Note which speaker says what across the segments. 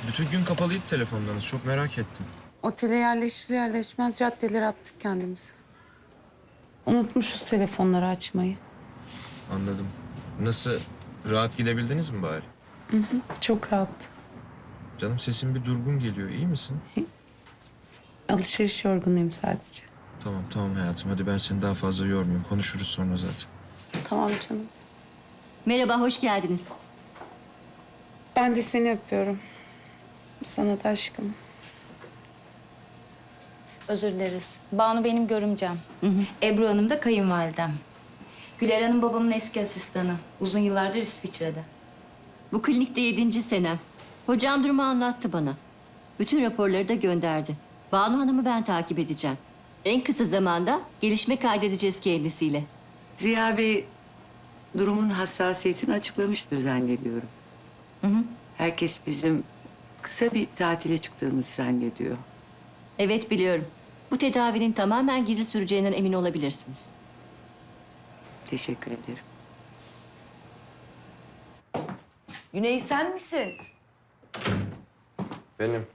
Speaker 1: Bütün gün kapalıydı telefonlarınız. Çok merak ettim.
Speaker 2: Otele yerleşir yerleşmez caddelere attık kendimizi. Unutmuşuz telefonları açmayı.
Speaker 1: Anladım. Nasıl? Rahat gidebildiniz mi bari?
Speaker 2: Çok rahat.
Speaker 1: Canım sesin bir durgun geliyor. İyi misin?
Speaker 2: Alışveriş yorgunuyum sadece.
Speaker 1: Tamam tamam hayatım. Hadi ben seni daha fazla yormayayım. Konuşuruz sonra zaten.
Speaker 2: Tamam canım.
Speaker 3: Merhaba, hoş geldiniz.
Speaker 2: Ben de seni öpüyorum. Sana da aşkım.
Speaker 4: Özür dileriz. Banu benim görümcem. Ebru Hanım da kayınvalidem. Güler Hanım babamın eski asistanı. Uzun yıllardır İsviçre'de.
Speaker 3: Bu klinikte 7. senem. Hocam durumu anlattı bana. Bütün raporları da gönderdi. Banu Hanım'ı ben takip edeceğim. En kısa zamanda gelişme kaydedeceğiz kendisiyle.
Speaker 5: Ziya Bey durumun hassasiyetini açıklamıştır zannediyorum. Herkes bizim kısa bir tatile çıktığımızı zannediyor.
Speaker 3: Evet biliyorum. Bu tedavinin tamamen gizli süreceğinden emin olabilirsiniz.
Speaker 5: Teşekkür ederim.
Speaker 6: Güney sen misin?
Speaker 1: Benim.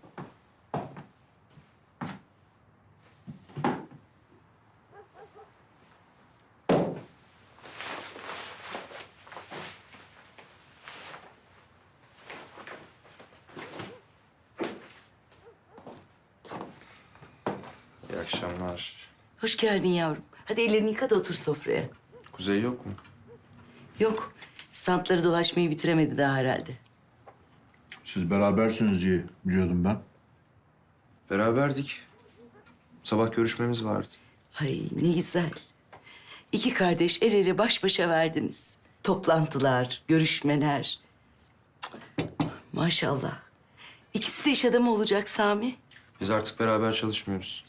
Speaker 1: İyi akşamlar.
Speaker 6: Hoş geldin yavrum. Hadi ellerini yıka da otur sofraya.
Speaker 1: Kuzey yok mu?
Speaker 6: Yok, standları dolaşmayı bitiremedi daha herhalde.
Speaker 7: Siz berabersiniz diye biliyordum ben.
Speaker 1: Beraberdik. Sabah görüşmemiz vardı.
Speaker 6: Ay ne güzel. İki kardeş el ele baş başa verdiniz. Toplantılar, görüşmeler. Cık, maşallah. İkisi de iş adamı olacak Sami.
Speaker 1: Biz artık beraber çalışmıyoruz.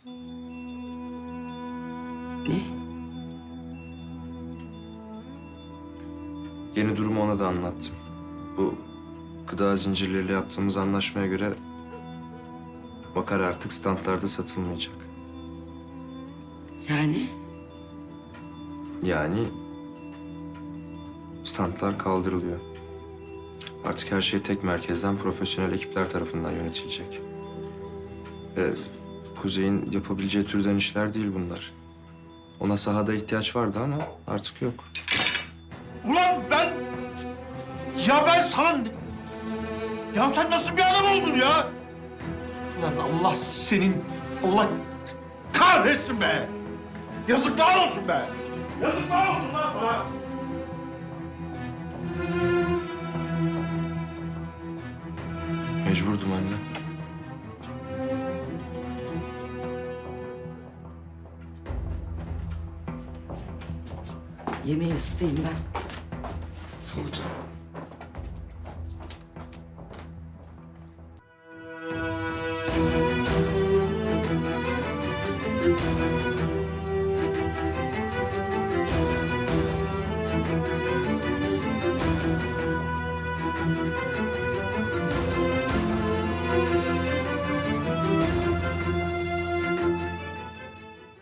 Speaker 6: Ne?
Speaker 1: Yeni durumu ona da anlattım. Bu gıda zincirleriyle yaptığımız anlaşmaya göre Bakar artık standlarda satılmayacak.
Speaker 6: Yani?
Speaker 1: Yani standlar kaldırılıyor. Artık her şey tek merkezden profesyonel ekipler tarafından yönetilecek. Kuzey'in yapabileceği türden işler değil bunlar. Ona sahada ihtiyaç vardı ama artık yok.
Speaker 7: Ulan ben... Ya ben sana... Ya sen nasıl bir adam oldun ya? Lan Allah senin... Allah kahretsin be! Yazıklar olsun be! Yazıklar olsun lan sana!
Speaker 1: Mecburdum anne.
Speaker 6: Yemeği ısıtayım ben. Soğudu.